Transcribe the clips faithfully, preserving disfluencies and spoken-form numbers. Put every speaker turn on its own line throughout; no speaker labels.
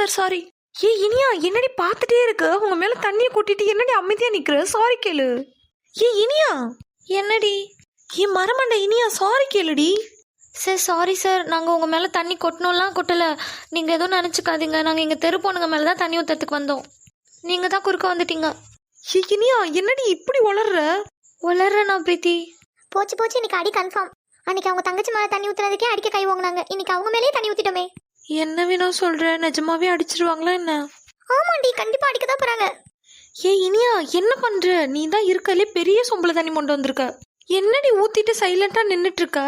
Sir sorry. ஏ இனியா என்னடி பார்த்துட்டே இருக்க, உங்க மேல தண்ணியை கொட்டிட்டு என்னடி அமைதியா நிக்கிற? சாரி கேளு. ஏ இனியா என்னடி? ஏ மரமண்ட இனியா சாரி கேளுடி. சார் சாரி சார், நாங்கள் உங்கள் மேலே தண்ணி கொட்டணும்லாம் கொட்டலை, நீங்கள் எதுவும் நினச்சிக்காதீங்க. நாங்கள் இங்கே தெரு பொண்ணுங்க மேலே தான் தண்ணி ஊற்றுறதுக்கு வந்தோம், நீங்கள் தான் குறுக்க வந்துட்டீங்க. ஏ இனியா என்னடி இப்படி வளர்ற? வளர்றேண்ணா பிரீத்தி.
போச்சு போச்சு, இன்னைக்கு அடி கன்ஃபார்ம். அன்னைக்கு அவங்க தங்கச்சி மேலே தண்ணி ஊற்றுறதுக்கே அடிக்க கை வாங்கினாங்க, இன்னைக்கு அவங்க மேலேயே தண்ணி ஊற்றிட்டோமே.
என்ன வேணும் சொல்கிற? நிஜமாவே அடிச்சிருவாங்களா என்ன?
ஆமாண்டி, கண்டிப்பாக அடிக்க தான் போகிறாங்க.
ஏ இனியா என்ன பண்ணுற? நீ தான் இருக்கலே பெரிய சொம்பளை தண்ணி கொண்டு வந்திருக்க, என்னடி ஊற்றிட்டு சைலண்ட்டாக நின்றுட்டுருக்க?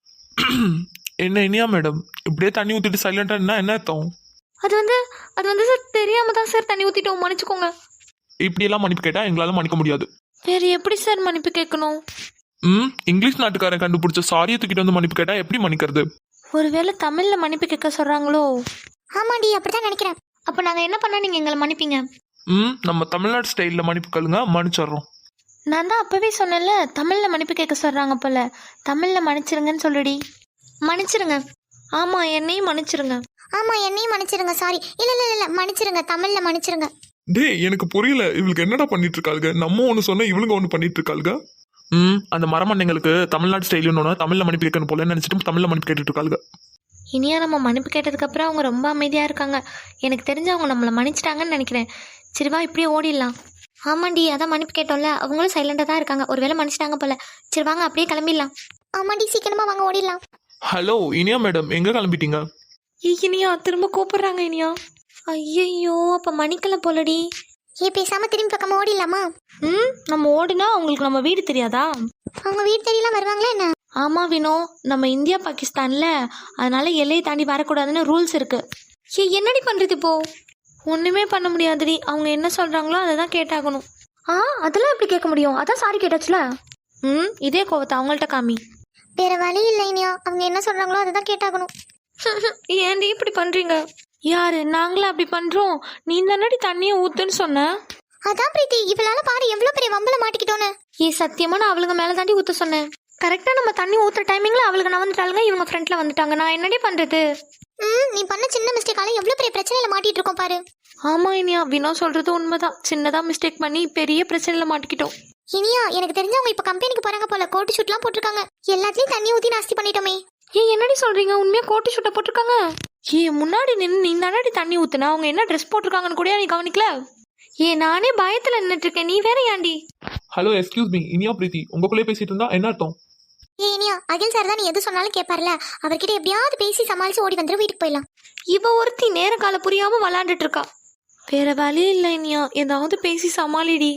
என்ன இனியா மேடம் இப்படியே தண்ணி ஊற்றிட்டு சைலண்டாக இருந்தா என்ன அர்த்தம்?
அது வந்து அது வந்து சார் தெரியாம தான் சார் தண்ணி ஊற்றிட்டோம், மன்னிச்சுக்கோங்க.
இப்படியெல்லாம் மன்னிப்பு கேட்டால் எங்களால் மன்னிக்க முடியாது.
வேறு எப்படி சார் மன்னிப்பு கேட்கணும்?
ம் இங்கிலீஷ் நாட்டுக்காரன் கண்டுபிடிச்ச சாரியை தூக்கிட்டு வந்து மன்னிப்பு கேட்டால் எப்படி மன்னிக்கிறது?
ஒருவேளை தமிழில் மன்னிப்பு கேட்க சொல்கிறாங்களோ?
ஆமாண்டி, அப்படிதான் நினைக்கிறேன்.
அப்போ நாங்கள் என்ன பண்ணால் நீங்கள் எங்களை மன்னிப்பீங்க?
ம் நம்ம தமிழ்நாடு ஸ்டைலில் மன்னிப்பு கேளுங்க, மன்னிச்சிடுறோம்.
நான் தான் அப்போவே சொன்னேன்ல, தமிழில் மன்னிப்பு கேட்க சொல்கிறாங்க போல. தமிழில் மன்னிச்சிருங்கன்னு சொல்லுடி. மன்னிச்சிருங்க. ஆமாம் என்னையும் மன்னிச்சிருங்க.
ஆமாம் என்னையும் மன்னிச்சிருங்க. சாரி. இல்லை இல்லை இல்லை மன்னிச்சிருங்க, தமிழில் மன்னிச்சிருங்க.
டே எனக்கு புரியல, இவளுக்கு என்னடா பண்ணிட்டு இருக்காளுங்க? நம்ம ஒன்று சொன்ன இவளுங்க ஒன்று பண்ணிட்டு இருக்காளுங்க. ம் அந்த மரமண்டைங்களுக்கு தமிழ்நாடு ஸ்டைலுன்னு தமிழில் மன்னிப்பு கேட்கணும் போல நினச்சிட்டு தமிழில் மன்னிப்பு கேட்டுட்டு இருக்காளுங்க.
இனியா நம்ம மன்னிப்பு கேட்டதுக்கப்புறம் அவங்க ரொம்ப அமைதியாக இருக்காங்க. எனக்கு தெரிஞ்சு அவங்க நம்மளை மன்னிச்சிட்டாங்கன்னு நினைக்கிறேன். சரிவா இப்படியே ஓடிடலாம். ஆமாண்டி, அதான் மன்னிப்பு கேட்டோம்ல, அவங்களும் சைலண்டாக தான் இருக்காங்க, ஒருவேளை மன்னிச்சிட்டாங்க போல. சரி வாங்க அப்படியே கிளம்பிடலாம்.
ஆமாண்டி, சீக்கிரமாக வாங்க ஓடிடலாம்.
ஹலோ இனியா மேடம், எங்கே கிளம்பிட்டீங்க?
ஏ இனியா திரும்ப கூப்பிடுறாங்க இனியா. ஐயையோ அப்போ மன்னிக்கல போலடி.
ஏ பேசாமல் திரும்பி பக்கமாக ஓடிடலாமா?
ம் நம்ம ஓடினா அவங்களுக்கு நம்ம வீடு தெரியாதா?
அவங்க வீடு தெரியலாம் வருவாங்களா என்ன?
ஆமாம் வினோ, நம்ம இந்தியா பாகிஸ்தானில், அதனால எல்லையை தாண்டி வரக்கூடாதுன்னு ரூல்ஸ் இருக்குது. ஏ என்னடி பண்ணுறது இப்போ? ஒன்றுமே பண்ண முடியாதுடி, அவங்க என்ன சொல்கிறாங்களோ அதை தான் கேட்டாகணும். ஆ அதெல்லாம் எப்படி கேட்க முடியும்? அதான் சாரி கேட்டாச்சுல. ம் இதே கோவத்தை அவங்கள்ட்ட காமி.
வேற வழி இல்லை இனியா, அவங்க என்ன சொல்கிறாங்களோ அதை தான் கேட்டாகணும்.
ஏன்டி இப்படி பண்ணுறீங்க? யாரு நாங்களா அப்படி பண்ணுறோம்? நீ தானடி தண்ணியை ஊற்றுன்னு சொன்ன.
அதான் பிரீத்தி, இவளால பாரு எவ்வளோ பெரிய வம்பல மாட்டிக்கிட்டோன்னு.
ஏ சத்தியமாக நான் அவளுங்க மேலே தாண்டி ஊற்ற சொன்னேன். கரெக்டாக நம்ம தண்ணி ஊற்றுற டைமிங்கில் அவளுக்கு நான் வந்துட்டாளுங்க, இவங்க ஃப்ரெண்டில் வந்துட்டாங்க. நான் என்னடி பண்ணுறது?
ம் நீ பண்ண சின்ன மிஸ்டேக்கால எவ்வளோ பெரிய பிரச்சனையில் மாட்டிட்டு இருக்கோம் பாரு.
ஆமாம் இனியா, வினோ சொல்கிறது உண்மைதான். சின்னதாக மிஸ்டேக் பண்ணி பெரிய பிரச்சனையில் மாட்டிக்கிட்டோம்.
இனியா எனக்கு தெரிஞ்சவங்க இப்போ கம்பெனிக்கு போகிறாங்க போல, கோட்டு ஷூட்லாம் போட்டிருக்காங்க. எல்லாத்துலேயும் தண்ணி ஊற்றி நாஸ்தி பண்ணிட்டோமே.
ஏ என்னடி சொல்கிறீங்க? உண்மையாக கோட்டு ஷூட்டை போட்டிருக்காங்க? ஏ முன்னாடி நின்று நீ தானடி தண்ணி ஊற்றுனா, அவங்க என்ன ட்ரெஸ் போட்டிருக்காங்கன்னு கூட நீ கவனிக்கல? ஏ நானே பயத்தில் நின்றுட்டு இருக்கேன், நீ வேற ஏன்டி?
Hello excuse me Iniya Preethi, உங்களுக்குள்ளே பேசிட்டு இருந்தா என்ன அர்த்தம்?
ஏ இனியா, அகில் சார் தான் நீ எது சொன்னாலும் கேட்பார்ல, அவர்கிட்ட எப்படியாவது பேசி சமாளிச்சு ஓடி வந்துடும், வீட்டுக்கு போயிடலாம்.
இவ ஒருத்தி நேர கால புரியாம விளாண்டுட்டு இருக்கா. வேற வழி இல்லை இனியா, ஏதாவது பேசி சமாளிடி.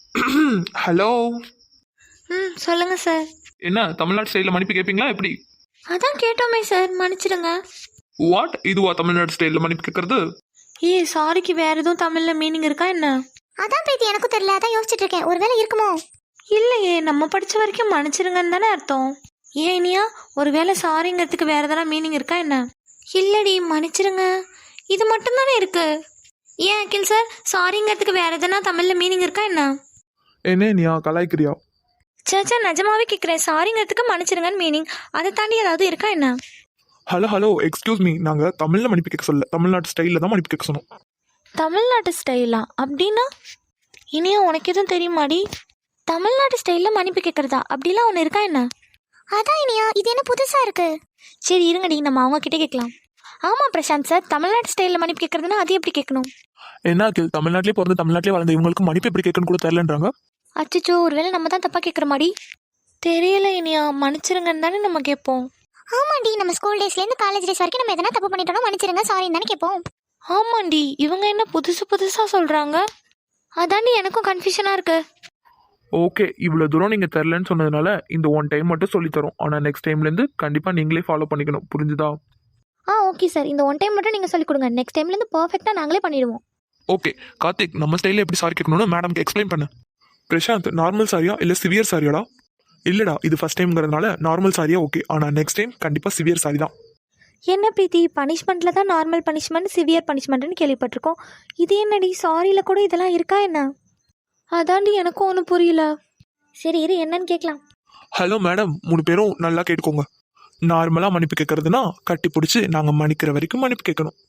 ஹலோ
ம் சொல்லுங்க சார்.
என்ன தமிழ்நாடு ஸ்டைலில் மன்னிப்பு கேட்பீங்களா எப்படி?
அதான் கேட்டோமே சார், மன்னிச்சிடுங்க.
வாட் இதுவா தமிழ்நாடு ஸ்டைலில் மன்னிப்பு கேட்கறது?
ஏ சாரிக்கு வேற எதுவும் தமிழ்ல மீனிங் இருக்கா என்ன?
அதான் பிரீத்தி எனக்கும் தெரியல, அதான் யோசிச்சுட்டு இருக்கேன், ஒருவேளை இருக்குமோ.
இல்லையே, நம்ம படிச்ச வரைக்கும் மன்னிச்சிருங்கன்னு தானே அர்த்தம். ஏன் இனியா ஒருவேளை சாரிங்கிறதுக்கு வேற எதனா மீனிங் இருக்கா என்ன? இல்லடி மன்னிச்சிருங்க, இது மட்டும் தானே இருக்கு. ஏன் அகில் சார், சாரிங்கிறதுக்கு வேற எதனா தமிழ்ல மீனிங் இருக்கா என்ன?
என்ன நீயா கலாய்க்கிறியா?
சேச்சா நிஜமாவே கேட்குறேன், சாரிங்கிறதுக்கு மன்னிச்சிருங்கன்னு மீனிங், அதை தாண்டி ஏதாவது இருக்கா என்ன?
ஹலோ ஹலோ எக்ஸ்கியூஸ் மீ, நாங்கள் தமிழில் மன்னிப்பு கேட்க சொல்ல, தமிழ்நாட்டு ஸ்டைலில் தான் மன்னிப்பு கேட்க சொன்னோம்.
தமிழ்நாட்டு ஸ்டைலா? அப்படின்னா இனியா உனக்கு எதுவும் தெரியுமாடி? தமிழ்நாட்டு ஸ்டைலில் மன்னிப்பு கேட்குறதா அப்படிலாம் ஒன்று இருக்கா என்ன?
அதான் இனியா, இது என்ன புதுசா இருக்கு.
சரி இருங்கடி, நம்ம அவங்க கிட்டே கேட்கலாம். ஆமாம் பிரசாந்த் சார், தமிழ்நாட்டு ஸ்டைலில் மன்னிப்பு கேட்குறதுனா அது எப்படி கேட்கணும்?
என்ன அகில், தமிழ்நாட்டிலே பிறந்து தமிழ்நாட்டிலே வளர்ந்த இவங்களுக்கு மன்னிப்பு எப்படி கேட்கணும்னு கூட தெரியலன்றாங்க.
அச்சோ ஒருவேளை நம்ம தான் தப்பாக கேட்குற மாதிரி தெரியல. இனியா மன்னிச்சிருங்கன்னு தானே நம்ம கேட்போம்.
ஆமாண்டி, நம்ம ஸ்கூல் டேஸ்லேருந்து காலேஜ் டேஸ் வரைக்கும் நம்ம எதனா தப்பு பண்ணிட்டோம் மன்னிச்சிருங்க சாரின்னு தானே கேட்போம்.
ஆமாண்டி, இவங்க என்ன புதுசு புதுசாக சொல்கிறாங்க, அதாண்டி எனக்கும் கன்ஃபியூஷனாக இருக்கு.
ஓகே, இவ்வளோ தூரம் நீங்கள் தெரிலன்னு சொன்னதுனால இந்த ஒன் டைம் மட்டும் சொல்லித்தரோம். ஆனால் நெக்ஸ்ட் டைம்லேருந்து கண்டிப்பாக நீங்களே ஃபாலோ பண்ணிக்கணும், புரிஞ்சுதா?
ஆ ஓகே சார், இந்த ஒன் டைம் மட்டும் நீங்கள் சொல்லிக் கொடுங்க, நெக்ஸ்ட் டைம்லேருந்து பர்ஃபெக்டாக நாங்களே பண்ணிடுவோம்.
ஓகே கார்த்திக், நம்ம ஸ்டைலில் எப்படி சாரி கேட்கணும்னு மேடம்க்கு எக்ஸ்பிளைன் பண்ணு. பிரசாந்த், நார்மல் சாரியா இல்லை சிவியர் சாரியாடா? இல்லைடா, இது ஃபஸ்ட் டைம்ங்கிறதுனால நார்மல் சாரியா ஓகே, ஆனால் நெக்ஸ்ட் டைம் கண்டிப்பாக சிவியர் சாரி தான்.
என்ன பிரீத்தி, பனிஷ்மெண்ட்டில் தான் நார்மல் பனிஷ்மெண்ட் சிவியர் பனிஷ்மெண்ட்னு கேள்விப்பட்டிருக்கோம், இது என்னடி சாரியில் கூட இதெல்லாம் இருக்கா என்ன? அதாண்டி எனக்கும் ஒன்றும் புரியல. சரி இரு என்னன்னு கேட்கலாம்.
ஹலோ மேடம், மூணு பேரும் நல்லா கேட்டுக்கோங்க. நார்மலாக மன்னிப்பு கேட்கறதுனா கட்டி பிடிச்சி நாங்கள் மன்னிக்கிற வரைக்கும் மன்னிப்பு கேட்கணும்.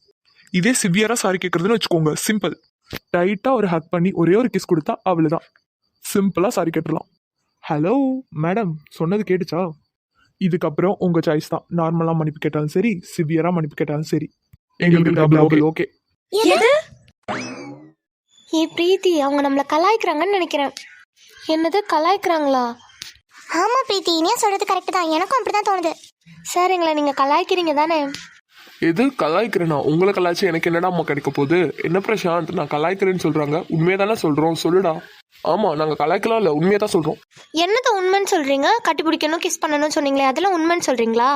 இதே சிவியரா சாரி கேட்கறதுன்னு வச்சுக்கோங்க, சிம்பிள். டைட்டா ஒரு ஹக் பண்ணி ஒரே ஒரு கிஸ் கொடுத்தா அவ்வளவுதான், சிம்பிளா சாரி கேட்டுடலாம். ஹலோ மேடம், சொன்னது கேட்டுச்சா? இதுக்கப்புறம் உங்க சாய்ஸ் தான். நார்மலா மன்னிப்பு கேட்டாலும் சரி, சிவியரா மன்னிப்பு கேட்டாலும் சரி, எங்களுக்கு டபுள் ஓகே.
எது? ஏ பிரீத்தி, அவங்க நம்மளை கலாய்க்கிறாங்கன்னு நினைக்கிறேன். என்னது கலாய்க்கிறாங்களா?
ஆமா பிரீத்தி, இனியா சொல்றது கரெக்ட் தான், எனக்கும் அப்படிதான் தோணுது.
சார், எங்களை நீங்க கலாய்க்கிறீங்க தானே?
எது கலாய்க்கிறேனா? உங்களை கலாய்ச்சி எனக்கு என்னடா அம்மா கிடைக்க போகுது? என்ன பிரசாந்த், நான் கலாய்க்கிறேன்னு சொல்றாங்க, உண்மையை தானே சொல்றோம், சொல்லுடா. ஆமா, நாங்க கலாய்க்கலாம் இல்ல, உண்மையை தான் சொல்றோம்.
என்னது உண்மைன்னு சொல்றீங்க? கட்டி பிடிக்கணும், கிஸ் பண்ணணும்னு சொன்னீங்களே, அதெல்லாம் உண்மைன்னு சொல்றீங்களா?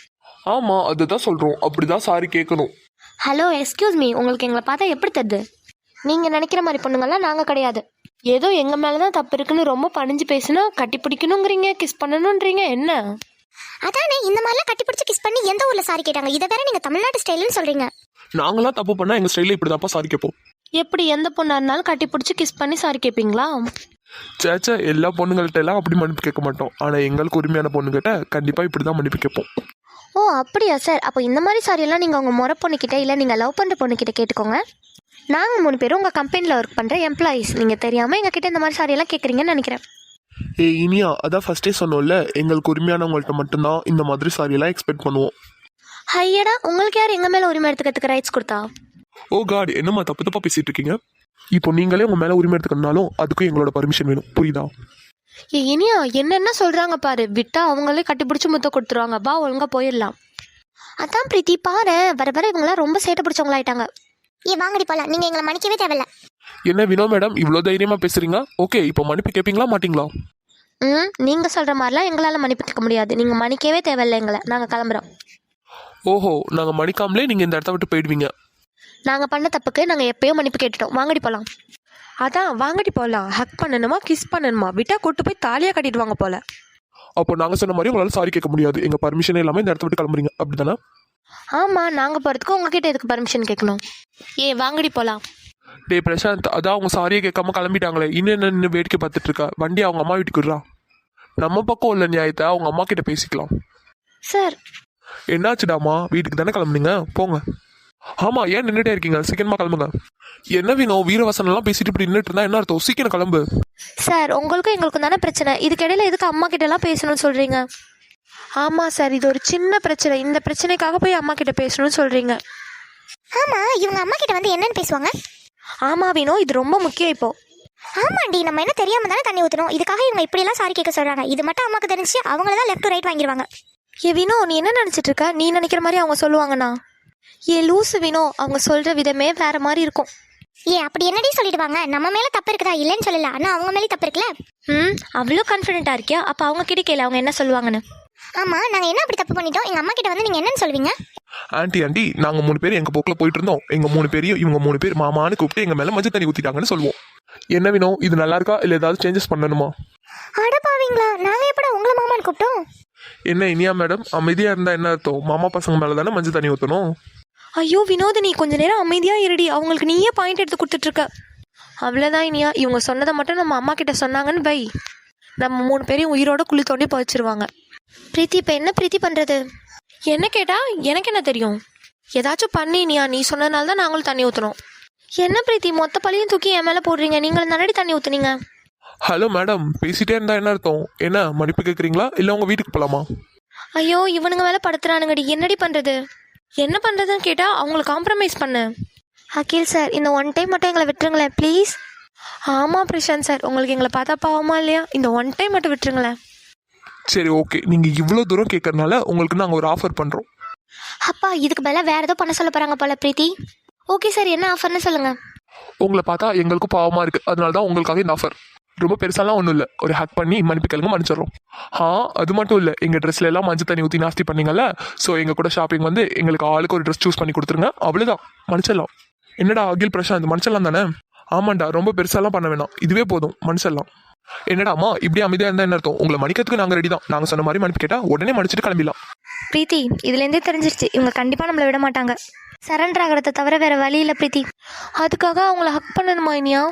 ஆமா, அதுதான் சொல்றோம். அப்படிதான் சாரி கேட்கணும்.
ஹலோ, எக்ஸ்கியூஸ் மீ, உங்களுக்கு எங்களை பார்த்தா எப்படி தருது? நீங்க நினைக்கிற மாதிரி பொண்ணுங்கள்லாம் நாங்க கிடையாது. ஏதோ எங்க மேலதான் தப்பு இருக்குன்னு ரொம்ப பணிஞ்சு பேசினா கட்டி பிடிக்கணுங்கிறீங்க, கிஸ் பண்ணணும்ன்றீங்க. என்ன
அதானே, இந்த மாதிரிலாம் கட்டி பிடிச்சி கிஸ் பண்ணி எந்த ஊர்ல சாரி கேட்டாங்க? இதை வேற நீங்க தமிழ்நாட்டு ஸ்டைல்னு சொல்றீங்க.
நாங்களாம் தப்பு பண்ணா எங்க ஸ்டைல இப்படிதான்ப்பா சாரி கேட்போம்.
எப்படி எந்த பொண்ணா இருந்தாலும் கட்டி பிடிச்சி கிஸ் பண்ணி சாரி கேட்பீங்களா?
சேச்சா, எல்லா பொண்ணுங்கள்ட்ட எல்லாம் அப்படி மன்னிப்பு கேட்க மாட்டோம். ஆனா எங்களுக்கு உரிமையான பொண்ணுகிட்ட கண்டிப்பா இப்படிதான் மன்னிப்பு கேட்போம்.
ஓ அப்படியா சார்? அப்போ இந்த மாதிரி சாரி எல்லாம் நீங்க உங்க முறை பொண்ணுக்கிட்ட இல்லை நீங்க லவ் பண்ற பொண்ணுக்கிட்ட கேட்டுக்கோங்க. நாங்க மூணு பேரும் உங்க கம்பெனில ஒர்க் பண்ற எம்ப்ளாயீஸ். நீங்க தெரியாம எங்க கிட்ட இந்த மாதிரி சாரி எல்லாம் கேட்குறீங்கன்னு நினைக்கிறேன்.
ஏ இனியா, அதான் ஃபர்ஸ்டே சொன்னோம்ல, எங்களுக்கு உரிமையானவங்கள்ட்ட மட்டும்தான் இந்த மாதிரி சாரி எல்லாம் எக்ஸ்பெக்ட் பண்ணுவோம்.
ஐயடா, உங்களுக்கு யார் எங்க மேல உரிமை எடுத்துக்கிறதுக்கு ரைட்ஸ் கொடுத்தா?
ஓ காட், என்னம்மா தப்பு தப்பா பேசிட்டு இருக்கீங்க? இப்போ நீங்களே உங்க மேல உரிமை எடுத்துக்கணும்னாலும் அதுக்கும் எங்களோட பர்மிஷன் வேணும், புரியுதா?
ஏ இனியா, என்னென்ன சொல்றாங்க பாரு. விட்டா அவங்களே கட்டி பிடிச்சி முத்த கொடுத்துருவாங்க. பா, ஒழுங்கா போயிடலாம். அதான் பிரீத்தி, பாரு, வர வர இவங்களாம் ரொம்ப சேட்டை பிடிச்சவங்களாயிட்டாங்க.
ஏ வாங்கடி போலாம், நீங்க எங்களை மன்னிக்கவே தேவையில்ல.
என்ன வினோ மேடம், இவ்வளோ தைரியமா பேசுறீங்க? ஓகே, இப்போ மன்னிப்பு கேட்பீங்களா மாட்டீங்களா?
ம் நீங்க சொல்ற மாதிரிலாம் எங்களால மன்னிப்பு கேட்க முடியாது. நீங்க மன்னிக்கவே தேவையில்லை எங்களை. நாங்க கிளம்புறோம்.
ஓஹோ, நாங்க மன்னிக்காமலே நீங்க இந்த இடத்த விட்டு போயிடுவீங்க?
நாங்க பண்ண தப்புக்கு நாங்க எப்பயோ மன்னிப்பு கேட்டுட்டோம். வாங்கடி போலாம். அதான் வாங்கடி போலாம். ஹக் பண்ணணுமா, கிஸ் பண்ணணுமா? விட்டா கூட்டு போய் தாலியா கட்டிடுவாங்க போல.
அப்போ நாங்க சொன்ன மாதிரி உங்களால சாரி கேட்க முடியாது. எங்க பர்மிஷன் இல்லாம இந்த இடத்த விட்டு கிளம்புறீங்க, அப்படிதானே?
ஆமா, நாங்க போறதுக்கு உங்ககிட்ட எதுக்கு பர்மிஷன் கேட்கணும்? ஏ வாங்கடி போலாம்.
டே பிரசாந்த், அதான் அவங்க சாரியை கேட்காம கிளம்பிட்டாங்களே, இன்னும் என்ன நின்று வேடிக்கை பார்த்துட்டு இருக்கா? வண்டி அவங்க அம்மா வீட்டுக்கு விடுறா. நம்ம பக்கம் உள்ள நியாயத்தை அவங்க அம்மா கிட்ட பேசிக்கலாம்.
சார்,
என்னாச்சுடாமா? வீட்டுக்கு தானே கிளம்புனீங்க, போங்க. ஆமா, ஏன் நின்றுட்டே இருக்கீங்க? சீக்கிரமா கிளம்புங்க. என்ன வேணும்? வீரவசனம் எல்லாம் பேசிட்டு இப்படி நின்றுட்டு இருந்தா என்ன அர்த்தம்? சீக்கிரம் கிளம்பு.
சார், உங்களுக்கும் எங்களுக்கும் தானே பிரச்சனை. இதுக்கிடையில எதுக்கு அம்மா கிட்ட எல்லாம் பேசணும்னு சொல்றீங்க? ஆமா சார், இது ஒரு சின்ன பிரச்சனை. இந்த பிரச்சனைக்காக போய் அம்மா கிட்ட பேசணும்னு சொல்றீங்க?
ஆமா, இவங்க அம்மா கிட்ட வந்து என்னன்னு பேசுவாங்க?
ஆமா வீணோ, இது ரொம்ப முக்கியம் இப்போ.
ஆமாண்டி, நம்ம என்ன தெரியாம தானே தண்ணி ஊற்றணும். இதுக்காக இவங்க இப்படியெல்லாம் சாரி கேட்க சொல்றாங்க. இது மட்டும் அம்மாக்கு தெரிஞ்சு அவங்கள தான் லெஃப்ட் டு ரைட் வாங்கிடுவாங்க.
ஏ வினோ, நீ என்ன நினைச்சிட்டு இருக்க? நீ நினைக்கிற மாதிரி அவங்க சொல்லுவாங்கண்ணா? ஏ லூசு வினோ, அவங்க சொல்ற விதமே வேற மாதிரி இருக்கும்.
ஏ அப்படி என்னடி சொல்லிடுவாங்க? நம்ம மேல தப்பு இருக்குதா? இல்லைன்னு சொல்லல, ஆனா அவங்க மேலே தப்பு இருக்குல்ல.
ம் அவ்வளோ கான்ஃபிடென்ட்டா இருக்கியா? அப்ப அவங்க கிட்ட கேளு, அவங்க என்ன சொல்லுவாங்கன்னு.
ஆமா, நாங்க என்ன அப்படி தப்பு பண்ணிட்டோம்? எங்க அம்மா கிட்ட வந்து நீங்க என்னன்னு சொல்வீங்க?
ஆண்டி ஆண்டி, நாங்க மூணு பேர் எங்க போக்குல போயிட்டு இருந்தோம். எங்க மூணு பேரையும் இவங்க மூணு பேர் மாமான்னு கூப்பிட்டு எங்க மேல மஞ்சள் தண்ணி ஊத்திட்டாங்கன்னு சொல்லுவோம். என்ன வேணும்? இது நல்லா இருக்கா இல்ல ஏதாவது சேஞ்சஸ் பண்ணணுமா?
அடப்பாவீங்களா, நாங்க எப்படா உங்களை மாமான்னு கூப்பிட்டோம்?
என்ன இனியா மேடம், அமைதியா இருந்தா என்ன அர்த்தம்? மாமா பசங்க மேல தானே மஞ்சள் தண்ணி ஊத்தணும்.
ஐயோ வினோதினி, கொஞ்ச நேரம் அமைதியா இருடி. அவங்களுக்கு நீயே பாயிண்ட் எடுத்து கொடுத்துட்டு இருக்க. அவ்வளோதான் இனியா, இவங்க சொன்னதை மட்டும் நம்ம அம்மா கிட்ட சொன்னாங்கன்னு பை, நம்ம மூணு பேரையும் உயிரோட குழி தோண்டி பதிச்சிருவாங்க. பிரீத்தி, இப்போ என்ன பிரீத்தி பண்றது? என்ன கேட்டா எனக்கு என்ன தெரியும்? ஏதாச்சும் பண்ணி இனியா, நீ சொன்னதுனால தான் நாங்களும் தண்ணி ஊற்றணும். என்ன பிரீத்தி, மொத்த பழியும் தூக்கி என் மேலே போடுறீங்க? நீங்களும் தானடி தண்ணி ஊற்றுனீங்க.
ஹலோ மேடம், பேசிட்டே இருந்தா என்ன அர்த்தம்? என்ன மன்னிப்பு கேட்குறீங்களா இல்லை உங்க வீட்டுக்கு போலாமா?
ஐயோ, இவனுங்க மேலே படுத்துறானுங்கடி. என்னடி பண்ணுறது? என்ன பண்ணுறதுன்னு கேட்டால் அவங்களை காம்ப்ரமைஸ் பண்ணு. அகில் சார், இந்த ஒன் டைம் மட்டும் எங்களை விட்டுருங்களேன் ப்ளீஸ். ஆமாம் பிரசாந்த் சார், உங்களுக்கு எங்களை பார்த்தா பாவமா இல்லையா? இந்த ஒன் டைம் மட்டும் விட்டுருங்களேன்.
சரி ஓகே, நீங்க இவ்வளோ தூரம் கேட்கறதுனால உங்களுக்கு நாங்கள் ஒரு ஆஃபர் பண்றோம்.
அப்பா, இதுக்கு மேல வேற ஏதோ பண்ண சொல்ல போறாங்க போல பிரீத்தி.
ஓகே சார், என்ன ஆஃபர்னு சொல்லுங்க.
உங்களை பார்த்தா எங்களுக்கும் பாவமா இருக்கு, அதனால தான் உங்களுக்காக இந்த ஆஃபர். ரொம்ப பெருசாலாம் ஒன்றும் இல்லை, ஒரு ஹேக் பண்ணி மன்னிப்பு கேளுங்க, மன்னிச்சிடறோம். ஆ அது மட்டும் இல்லை, எங்கள் ட்ரெஸ்ல எல்லாம் மஞ்சள் தண்ணி ஊற்றி நாஸ்தி பண்ணீங்கல்ல, ஸோ எங்கள் கூட ஷாப்பிங் வந்து எங்களுக்கு ஆளுக்கு ஒரு ட்ரெஸ் சூஸ் பண்ணி கொடுத்துருங்க, அவ்வளோதான், மன்னிச்சிடலாம். என்னடா அகில் பிரசாந்த், மன்னிச்சிடலாம் தானே? ஆமாண்டா, ரொம்ப பெருசாலாம் பண்ண வேணாம், இதுவே போதும், மன்னிச்சிடலாம். என்னடா அம்மா இப்படி அமைதியா இருந்தா என்ன அர்த்தம்? உங்களை மன்னிக்கிறதுக்கு நாங்கள் ரெடி தான். நாங்கள் சொன்ன மாதிரி மன்னிப்பு கேட்டா உடனே மன்னிச்சிட்டு கிளம்பிடலாம்.
பிரீத்தி, இதுலேருந்தே தெரிஞ்சிருச்சு இவங்க கண்டிப்பாக நம்மளை விட மாட்டாங்க. சரண்டர் ஆகிறத தவிர வேற வழி இல்லை பிரீத்தி. அதுக்காக அவங்கள ஹக் பண்ணணுமா இனியா?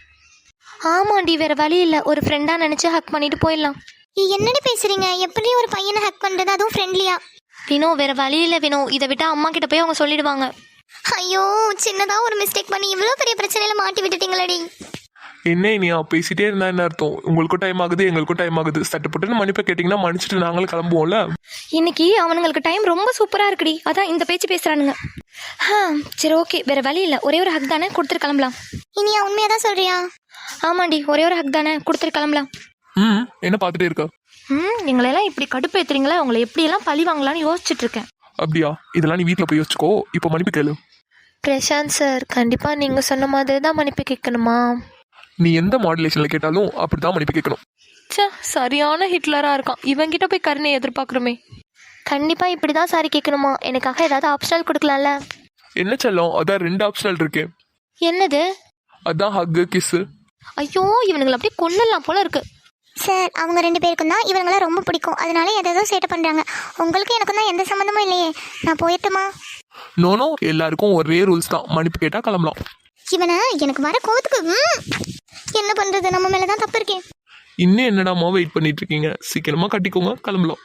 ஆமாண்டி, வேற வழி இல்லை. ஒரு ஃப்ரெண்டா நினைச்சு ஹக் பண்ணிட்டு போயிடலாம்.
என்னடி பேசுறீங்க? எப்படி ஒரு பையனை ஹக் பண்றது, அதுவும் ஃப்ரெண்ட்லியா?
வினோ, வேற வழி இல்லை வினோ. இதை விட்டா அம்மா கிட்ட போய் அவங்க சொல்லிடுவாங்க.
ஐயோ சின்னதா ஒரு மிஸ்டேக் பண்ணி இவ்வளோ பெரிய பிரச்சனையில மாட்டி விட்டுட்டீங்களடி.
என்ன இனியா பேசிட்டே இருந்தா என்ன அர்த்தம்? உங்களுக்கும் டைம் ஆகுது எங்களுக்கும் டைம் ஆகுது. சட்டுப்பட்டுன்னு மன்னிப்பை கேட்டிங்கன்னா மன்னிச்சுட்டு நாங்களும் கிளம்புவோம்ல.
இன்னைக்கு அவனுங்களுக்கு டைம் ரொம்ப சூப்பரா இருக்குடி, அதான் இந்த பேச்சு பேசுறானுங்க. ஆ சரி ஓகே, வேற வழி இல்லை, ஒரே ஒரு ஹக் தானே, கொடுத்துட்டு கிளம்பலாம்.
இனியா உண்மையா தான் சொல்றியா?
ஆமாண்டி, ஒரே ஒரு ஹக் தானே, கொடுத்துட்டு கிளம்பலாம்.
ம் என்ன பார்த்துட்டே இருக்க?
ம் எங்களெல்லாம் இப்படி கடுப்பேத்துறீங்களா, உங்களை எப்படியெல்லாம் பழி வாங்கலான்னு யோசிச்சுட்டு இருக்கேன்.
அப்படியா? இதெல்லாம் நீ வீட்டில் போய் யோசிச்சுக்கோ. இப்போ மன்னிப்பு கேளு.
பிரசாந்த் சார், கண்டிப்பா நீங்க சொன்ன மாதிரி தான் மன்னிப்பு கேட்கணுமா?
நீ எந்த மாடுலேஷன்ல கேட்டாலும் அப்படிதான் மன்னிப்பு கேட்கணும்.
சே, சரியான ஹிட்லரா இருக்கான். இவங்கிட்ட போய் கருணை எதிர்பார்க்குறோமே. கண்டிப்பா இப்படிதான் சாரி கேட்கணுமா? எனக்காக ஏதாவது ஆப்ஷனல் கொடுக்கலாம்ல?
என்ன செல்லம், அதான் ரெண்டு ஆப்ஷனல் இருக்கு.
என்னது?
அதான் ஹக்கு கிஸ்ஸு.
ஐயோ, இவனுங்களை அப்படியே கொல்லலாம் போல இருக்கு.
சார் அவங்க ரெண்டு பேருக்கும் தான் இவங்கள ரொம்ப பிடிக்கும், அதனால எதோ சேட்டை பண்றாங்க. உங்களுக்கு எனக்கும் தான் எந்த சம்மந்தமும் இல்லையே, நான் போயிட்டுமா?
நோனோ, எல்லாருக்கும் ஒரே ரூல்ஸ் தான், மன்னிப்பு கேட்டா கிளம்பலாம்.
இவனை எனக்கு வர கோவத்துக்கு ம், என்ன பண்றது, நம்ம மேலதான் தப்பு இருக்கேன்.
இன்னும் என்னடாமா வெயிட் பண்ணிட்டு இருக்கீங்க? சீக்கிரமா கட்டிக்கோங்க, கிளம்பலாம்.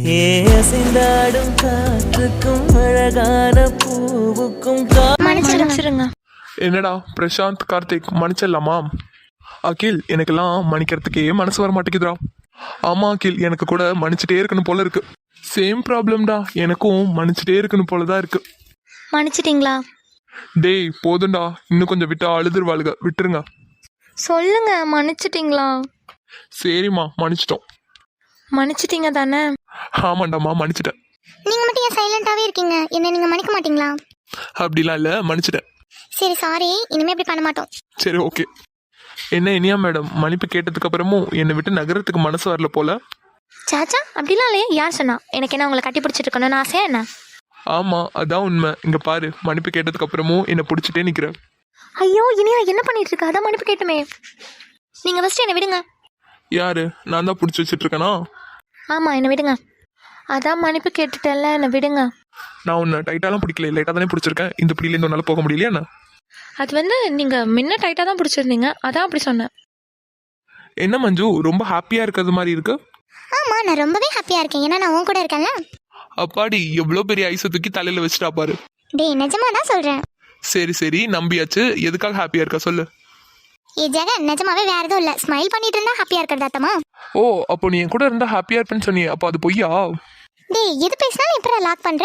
ஏசிந்தாடும் காற்றுக்கும் அழகான பூவுக்கும்
மன்னிச்சிருங்க.
என்னடா பிரசாந்த், கார்த்திக் மன்னிச்சிடலாமா? அகில், எனக்கெல்லாம் மன்னிக்கிறதுக்கே மனசு வர மாட்டேங்குதுடா. ஆமா அகில், எனக்கு கூட மன்னிச்சுட்டே இருக்கணும் போல இருக்கு. சேம் ப்ராப்ளம்டா, எனக்கும் மன்னிச்சுட்டே இருக்கணும் போலதான் இருக்கு.
மன்னிச்சிட்டீங்களா?
டேய் போதும்டா, இன்னும் கொஞ்சம் விட்டா அழுதுருவாளுக, விட்டுருங்க.
சொல்லுங்க, மன்னிச்சிட்டீங்களா?
சரிம்மா, மன்னிச்சிட்டோம்.
மன்னிச்சிட்டீங்க தானே?
ஆமாண்டாம்மா, மன்னிச்சிட்டேன்.
நீங்க மட்டும் ஏன் சைலண்டாவே இருக்கீங்க? என்ன நீங்க மன்னிக்க மாட்டீங்களா?
அப்படிலாம் இல்லை, மன்னிச்சிட்டேன்.
சரி சாரி, இனிமே இப்படி பண்ண மாட்டோம்.
சரி ஓகே. என்ன இனியா மேடம், மன்னிப்பு கேட்டதுக்கு அப்புறமும் என்னை விட்டு நகரத்துக்கு மனசு வரல போல.
சாச்சா, அப்படிலாம் இல்லையே. யார் சொன்னா? எனக்கு என்ன உங்களை கட்டி பிடிச்சிட்டு இருக்கணும்னு ஆசையா என்ன?
ஆமா, அதான் உண்மை. இங்க பாரு, மன்னிப்பு கேட்டதுக்கு அப்புறமும் என்னை பிடிச்சிட்டே நிக்கிற.
ஐயோ இனியா என்ன பண்ணிட்டு இருக்க? அதான் மன்னிப்பு கேட்டுமே. நீங்க ஃபர்ஸ்ட் என்னை விடுங்க.
யாரு? நான் தான் பிடிச்சி வச்சிட்டு இருக்கேனா?
ஆமா, என்னை விடுங்க. அதான் மன்னிப்பு கேட்டுட்டேன்ல, என்னை விடுங்க.
நான் உன்னை டைட்டாலாம் பிடிக்கல, லைட்டாக தானே பிடிச்சிருக்கேன். இந்த பிடிலேருந்து உன்னால போக முடியலையா என்ன?
அது வந்து நீங்க முன்ன டைட்டா தான் பிடிச்சிருந்தீங்க, அதான் அப்படி சொன்னேன்.
என்ன மஞ்சு, ரொம்ப ஹாப்பியா இருக்கிறது மாதிரி இருக்கு.
ஆமா, நான் ரொம்பவே ஹாப்பியா இருக்கேன், ஏன்னா நான் உன் கூட இருக்கேன்ல.
அப்பாடி, எவ்வளோ பெரிய ஐஸை தூக்கி தலையில வச்சுட்டா பாரு.
டேய் நிஜமா தான் சொல்றேன்.
சரி சரி, நம்பியாச்சு. எதுக்காக ஹாப்பியா இருக்க சொல்லு.
ஏ ஜெகன், நிஜமாவே வேற எதுவும் இல்ல, ஸ்மைல் பண்ணிட்டு இருந்தா ஹாப்பியா இருக்கிறது அத்தமா.
ஓ, அப்போ நீ என் கூட இருந்தா ஹாப்பியா இருப்பேன்னு சொன்னியே, அப்போ அது பொய்யா?
டேய் எது பேசினாலும் எப்படி லாக் பண்ற?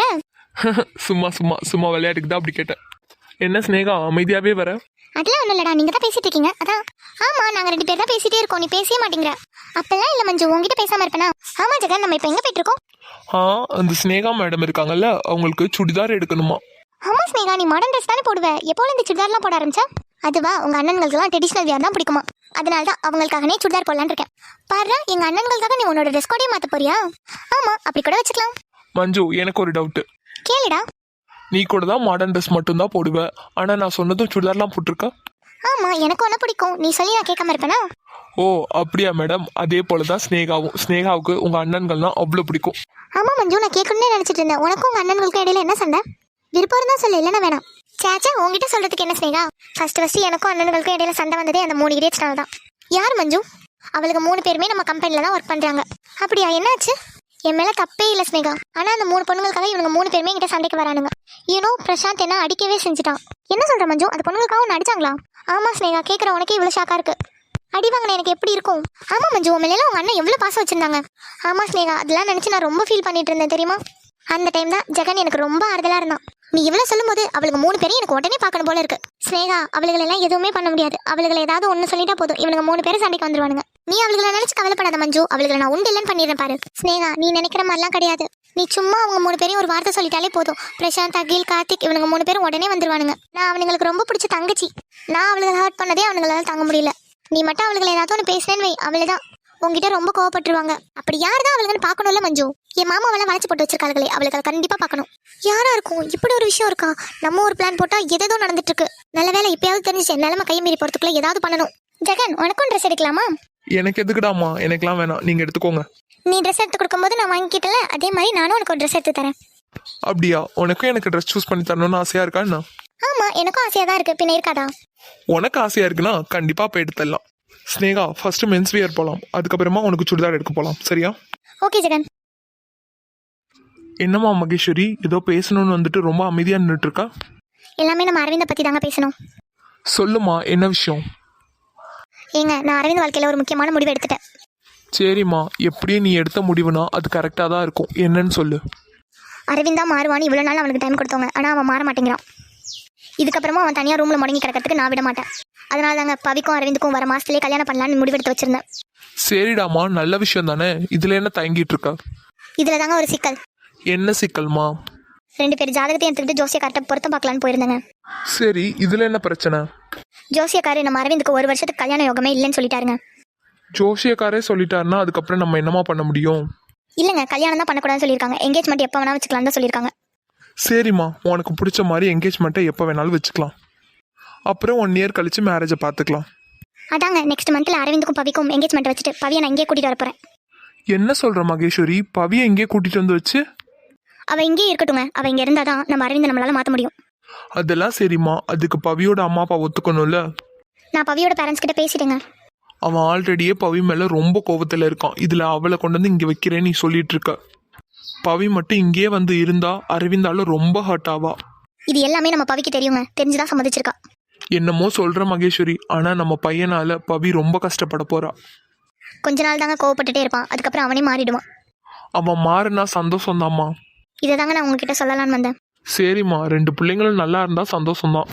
சும்மா சும்மா சும்மா விளையாட்டுக்கு தான் அப்படி கேட்டேன். என்ன ஸ்னேகா, அமைதியாவே வர?
அதெல்லாம் ஒன்றும் இல்லடா, நீங்க தான் பேசிட்டு இருக்கீங்க அதான். ஆமா, நாங்க ரெண்டு பேர் தான் பேசிட்டே இருக்கோம், நீ பேசவே மாட்டேங்கிற. அப்பெல்லாம் இல்ல மஞ்சு, உங்ககிட்ட பேசாம இருப்பேனா? ஆமா ஜெகன், நம்ம இப்ப எங்க போயிட்டு இருக்கோம்?
ஆ, அந்த ஸ்னேகா மேடம் இருக்காங்கல்ல, அவங்களுக்கு சுடிதார் எடுக்கணுமா.
ஆமா ஸ்னேகா, நீ மாடர்ன் ட்ரெஸ் தானே போடுவ, எப்போல இந்த சுடிதார்லாம் போட ஆரம்பிச்சா? அதுவா, உங்க அண்ணன்களுக்குலாம் ட்ரெடிஷனல் வியர் தான் பிடிக்குமா, அதனால தான் அவங்களுக்காகனே சுடிதார் போடலான்னு இருக்கேன். பாரு, எங்க அண்ணன்களுக்காக நீ உன்னோட ட்ரெஸ் கோடே மாத்த போறியா? ஆமா, அப்படி கூட வச்சுக்கலாம்.
மஞ்சு, எனக்கு ஒரு டவுட்.
கேளுடா.
நீ கூட தான் மாடர்ன் ட்ரெஸ் மட்டும் தான் போடுவ, ஆனா நான் சொன்னதும் சுடிதார்லாம் போட்டிருக்க.
ஆமா, எனக்கு ஒன்ன பிடிக்கும், நீ சொல்லி நான் கேட்காம இருப்பேனா?
ஓ அப்படியா மேடம், அதே போலதான் ஸ்னேகாவும். ஸ்னேகாவுக்கு உங்க அண்ணன்கள்னா அவ்வளோ பிடிக்கும்.
ஆமா மஞ்சு, நான் கேட்கணும்னு நினைச்சிட்டு இருந்தேன். உனக்கும் உங்க அண்ணன்களுக்கும் இடையில என்ன சண்டை? விருப்பம் இருந்தா சொல்லு, இல்லைன்னா வேணாம். சேச்சா, உங்ககிட்ட சொல்றதுக்கு என்ன ஸ்னேகா? ஃபர்ஸ்ட் ஃபர்ஸ்ட் எனக்கும் அண்ணன்களுக்கும் இடையில சண்டை வந்ததே அந்த மூணு இடியட்ஸ்னால தான். யார் மஞ்சு? அவளுக்கு மூணு பேருமே நம்ம கம்பெனில தான் ஒர்க் பண்றாங்க. அப்படியா, என்னாச்சு? என் மேல தப்பே இல்லை ஸ்னேகா, ஆனா அந்த மூணு பொண்ணுங்களுக்காக இவங்க மூணு பேருமே என்கிட்ட சண்டைக்கு வரானுங்க. யூனோ, பிரசாந்த் என்ன அடிக்கவே செஞ்சுட்டான். என்ன சொல்ற மஞ்சு, அந்த பொண்ணுங்களுக்காக ஒன்று அடிச்சாங்களா? ஆமா ஸ்னேகா, கேட்குற உனக்கே இவ்வளோ ஷாக்கா இருக்கு. அடி வாங்கின எனக்கு எப்படி இருக்கும்? ஆமா மஞ்சு, உன் மேல உங்க அண்ணன் எவ்வளவு பாசம் வச்சிருந்தாங்க. ஆமா ஸ்னேகா, அதெல்லாம் நினைச்சு நான் ரொம்ப ஃபீல் பண்ணிட்டு இருந்தேன் தெரியுமா? அந்த டைம் தான் ஜெகன் எனக்கு ரொம்ப ஆறுதலா இருந்தான். நீ இவ்வளவு சொல்லும் போது அவளுக்கு மூணு பேரும் எனக்கு உடனே பார்க்கணும் போல இருக்கு. ஸ்னேகா, அவளுகளை எல்லாம் எதுவுமே பண்ண முடியாது. அவளுகளை ஏதாவது ஒண்ணு சொல்லிட்டா போதும், இவனுங்க மூணு பேரும் சண்டைக்கு வந்துருவானுங்க. நீ அவளுகளை நினைச்சு கவலைப்படாத மஞ்சு, அவளுகளை நான் உண்டு இல்லைன்னு பண்ணிடுறேன் பாரு. ஸ்னேகா, நீ நினைக்கிற மாதிரிலாம் கிடையாது. நீ சும்மா அவங்க மூணு பேரையும் ஒரு வார்த்தை சொல்லிட்டாலே போதும், பிரசாந்த், அகில், கார்த்திக் இவனுங்க மூணு பேரும் உடனே வந்துருவானுங்க. நான் அவனுங்களுக்கு ரொம்ப பிடிச்ச தங்கச்சி. நான் அவளுகளை ஹர்ட் பண்ணதே அவனுங்களால தாங்க முடியல. நீ மட்டும் அவளுகளை ஏதாவது ஒன்று பேசினேன்னு வை, அவளைதான் உங்ககிட்ட ரொம்ப கோவப்பட்டுருவாங்க. அப்படி யார் தான் அவளுக்குன்னு பார்க்கணும்ல மஞ்சு. என் மாமா அவளை வளைச்சு போட்டு வச்சிருக்காங்களே, அவளுக்கு கண்டிப்பா பார்க்கணும். யாரா இருக்கும்? இப்படி ஒரு விஷயம் இருக்கா? நம்ம ஒரு பிளான் போட்டா எதோ நடந்துட்டு இருக்கு. நல்ல வேலை இப்பயாவது தெரிஞ்சு நிலைமை கை மீறி போறதுக்குள்ள ஏதாவது பண்ணணும். ஜெகன், உனக்கும் ட்ரெஸ் எடுக்கலாமா?
எனக்கு எதுக்குடாமா? எனக்குலாம் வேணாம், நீங்க எடுத்துக்கோங்க.
நீ ட்ரெஸ் எடுத்து கொடுக்கும்போது நான் வாங்கிக்கிட்டல, அதே மாதிரி நானும் உனக்கு ஒரு ட்ரெஸ் எடுத்து தரேன்.
அப்படியா? உனக்கும் எனக்கு ட்ரெஸ் சூஸ் பண்ணி தரணும்னு ஆசையா இருக்கா என்ன?
ஆமா, எனக்கும் ஆசையா தான் இருக்கு, பின்ன இருக்காதா?
உனக்கு ஆசையா இருக்குன்னா கண்டிப்பா போய் எடுத்துடலாம். ஸ்னேகா, ஃபர்ஸ்ட் மென்ஸ் வியர் போலாம், அதுக்கப்புறமா உனக்கு சுடிதார் எடுக்க போலாம், சரியா?
ஓகே ஜெகன்.
என்னம்மா மகேஸ்வரி, ஏதோ பேசணும்னு வந்துட்டு ரொம்ப அமைதியா நின்றுட்டு இருக்கா?
எல்லாமே நம்ம அரவிந்தை பற்றி தாங்க பேசணும்.
சொல்லுமா, என்ன விஷயம்?
ஏங்க, நான் அரவிந்த் வாழ்க்கையில் ஒரு முக்கியமான முடிவு எடுத்துட்டேன்.
சரிம்மா, எப்படியும் நீ எடுத்த முடிவுனா அது கரெக்டாக தான் இருக்கும். என்னன்னு சொல்லு.
அரவிந்த் தான் மாறுவான்னு இவ்வளோ நாள் அவனுக்கு டைம் கொடுத்தவங்க, ஆனால் அவன் மாற மாட்டேங்கிறான். இதுக்கப்புறமா அவன் தனியாக ரூமில் முடங்கி கிடக்கிறதுக்கு நான் விட மாட்டேன். அதனால தாங்க பவிக்கும் அரவிந்துக்கும் வர மாதத்துலேயே கல்யாணம் பண்ணலான்னு முடிவெடுத்து வச்சிருந்தேன்.
சரிடாமா, நல்ல விஷயம் தானே. இதில் என்ன தயங்கிட்டு இருக்க?
இதில் தாங்க ஒரு சிக்கல்.
என்ன சிக்கல்மா?
ரெண்டு பேர் ஜாதகத்தையும் எடுத்துக்கிட்டு ஜோசியக்கார்ட்ட பொருத்தம் பார்க்கலான்னு போயிருந்தேங்க.
சரி, இதில் என்ன பிரச்சனை?
ஜோசியக்காரு நம்ம அரவிந்துக்கு ஒரு வருஷத்துக்கு கல்யாண யோகமே இல்லைன்னு சொல்லிட்டாருங்க.
ஜோசியக்காரே சொல்லிட்டாருன்னா அதுக்கப்புறம் நம்ம என்னமா பண்ண முடியும்?
இல்லைங்க, கல்யாணம் தான் பண்ணக்கூடாதுன்னு சொல்லியிருக்காங்க. எங்கேஜ்மெண்ட் எப்போ வேணா வச்சுக்கலாம் தான் சொல்லியிருக்காங்க.
சரிம்மா, உனக்கு பிடிச்ச மாதிரி என்கேஜ்மெண்ட்டை எப்போ வேணாலும் வச்சுக்கலாம். அப்புறம் ஒன் இயர் கழிச்சு மேரேஜை பார்த்துக்கலாம்.
அதாங்க நெக்ஸ்ட் மந்த்தில் அரவிந்துக்கும் பவிக்கும் எங்கேஜ்மெண்ட் வச்சுட்டு பவியை நான் இங்கே கூட்டிகிட்டு வர போகிறேன்.
என்ன சொல்கிற மகேஸ்வரி? பவியை எங்கேயே கூட்டிகிட்டு வந்து வச்சு?
அவள் இங்கேயே இருக்கட்டுங்க. அவள் இங்கே இருந்தால் தான் நம்ம அரவிந்தை நம்மளால் மாற்ற முடியும்.
அதெல்லாம் சரிம்மா, அதுக்கு பவியோட அம்மா அப்பா ஒத்துக்கணும்ல.
நான் பவியோட பேரண்ட்ஸ் கிட்ட பேசிட்டேங்க.
அவன் ஆல்ரெடியே பவி மேலே ரொம்ப கோபத்தில் இருக்கான். இதில் அவளை கொண்டு வந்து இங்கே வைக்கிறேன்னு நீ சொல்லிட்டு இருக்க. பவி மட்டும் இங்கேயே வந்து இருந்தா அரவிந்தால ரொம்ப ஹர்ட் ஆவா.
இது எல்லாமே நம்ம பவிக்கு தெரியுங்க, தெரிஞ்சுதான் சம்மதிச்சிருக்கா.
என்னமோ சொல்கிற மகேஸ்வரி, ஆனால் நம்ம பையனால் பவி ரொம்ப கஷ்டப்பட போறா.
கொஞ்ச நாள் தாங்க கோவப்பட்டுட்டே இருப்பான், அதுக்கப்புறம் அவனே மாறிடுவான்.
அவன் மாறினா சந்தோஷம்தாம்மா.
இதை தாங்க நான் உங்ககிட்ட சொல்லலான்னு வந்தேன்.
சரிம்மா, ரெண்டு பிள்ளைங்களும் நல்லா இருந்தா சந்தோஷம்தான்.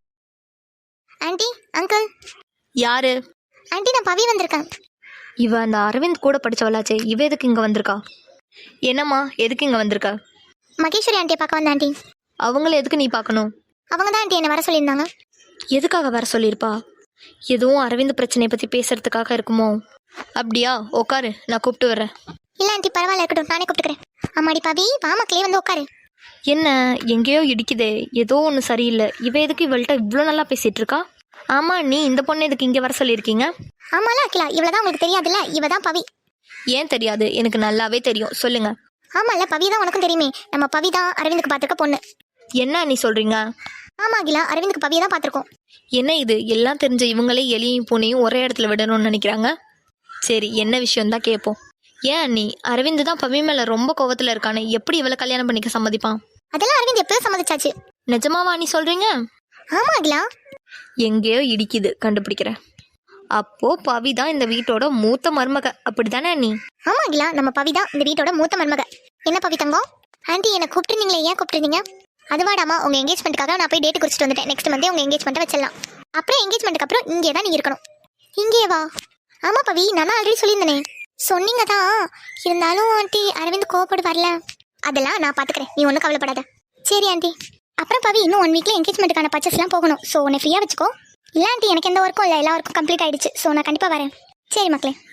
Aunty, uncle.
யாரு?
ஆண்டி, நான் பவி வந்திருக்கேன்.
இவ அந்த அரவிந்த் கூட படிச்சவளாச்சே, இவ எதுக்கு இங்கே வந்திருக்கா? என்னம்மா, எதுக்கு இங்கே வந்திருக்கா?
மகேஸ்வரி ஆண்டியை பார்க்க வந்த ஆண்டி.
அவங்கள எதுக்கு நீ பார்க்கணும்?
அவங்க தான் ஆண்டி என்னை வர சொல்லியிருந்தாங்க.
எதுக்காக வர சொல்லியிருப்பா? எதுவும் அரவிந்த் பிரச்சனையை பற்றி பேசுறதுக்காக இருக்குமோ? அப்படியா? உட்காரு, நான் கூப்பிட்டு வர்றேன்.
இல்லை ஆண்டி, பரவாயில்ல, இருக்கட்டும், நானே கூப்பிட்டுக்கிறேன். அம்மாடி பவி, வா மக்களே, வந்து உட்காரு.
என்ன, எங்கேயோ இடிக்குதே, ஏதோ ஒன்று சரியில்லை. இவ எதுக்கு இவள்கிட்ட இவ்வளோ நல்லா பேசிகிட்டு இருக்கா? ஆமாம், நீ இந்த பொண்ணை எதுக்கு இங்கே வர சொல்லியிருக்கீங்க?
ஆமால அகிலா, இவ்வளோதான் உங்களுக்கு தெரியாதுல்ல, இவ தான் பவி.
ஏன் தெரியாது? எனக்கு நல்லாவே தெரியும், சொல்லுங்க.
ஆமால, பவி தான் உனக்கும் தெரியுமே. நம்ம பவி தான் அரவிந்துக்கு பார்த்துருக்க பொண்ணு.
என்ன நீ சொல்கிறீங்க?
ஆமா அகிலா, அரவிந்துக்கு பவியை தான் பார்த்துருக்கோம்.
என்ன இது, எல்லாம் தெரிஞ்ச இவங்களே எலியும் பூனையும் ஒரே இடத்துல விடணும்னு நினைக்கிறாங்க. சரி, என்ன விஷயம் தான் கேட்போம். ஏன் நீ அரவிந்த் தான் பவி மேலே ரொம்ப கோவத்தில் இருக்கானே, எப்படி இவளை கல்யாணம் பண்ணிக்க சம்மதிப்பான்?
அதெல்லாம் அரவிந்த் எப்போ சம்மதிச்சாச்சு.
நிஜமாவா நீ சொல்கிறீங்க?
ஆமா அகிலா.
எங்கேயோ இடிக்குது, கண்டுபிடிக்கிறேன். அப்போ பவி தான் இந்த வீட்டோட மூத்த மருமக, அப்படித்தானே நீ?
ஆமா அகிலா, நம்ம பவி தான் இந்த வீட்டோட மூத்த மருமக. என்ன பவி தங்கம்? ஆண்டி, என்னை கூப்பிட்டுருந்தீங்களே, ஏன் கூப்பிட்டுருந்தீங்க? அதுவாடாமா, உங்க எங்கேஜ்மெண்ட்டுக்காக நான் போய் டேட் குறிச்சிட்டு வந்துட்டேன். நெக்ஸ்ட் மந்தே உங்க எங்கேஜ்மெண்ட்டை வச்சிடலாம். அப்புறம் எங்கேஜ்மெண்ட்டுக்கு அப்புறம் இங்கே தான் நீ இருக்கணும். இங்கே வா. ஆமா பவி, நான் ஆல்ரெடி சொல்லியிருந்தேனே. சொன்னீங்க தான், இருந்தாலும் ஆண்டி அரவிந்த் கோவப்படு வரல. அதெல்லாம் நான் பார்த்துக்கிறேன், நீ ஒன்றும் கவலைப்படாத. சரி ஆண்டி. அப்புறம் பவி, இன்னும் ஒன் வீக்ல எங்கேஜ்மெண்ட்டுக்கான பர்ச்சேஸ்லாம் போகணும். ஸோ உன்னை ஃப்ரீயாக வச்சுக்கோ. இல்லை ஆண்டி, எனக்கு எந்த ஒர்க்கும் இல்லை, எல்லா ஒர்க்கும் கம்ப்ளீட் ஆயிடுச்சு. ஸோ நான் கண்டிப்பாக வரேன். சரி மக்களே.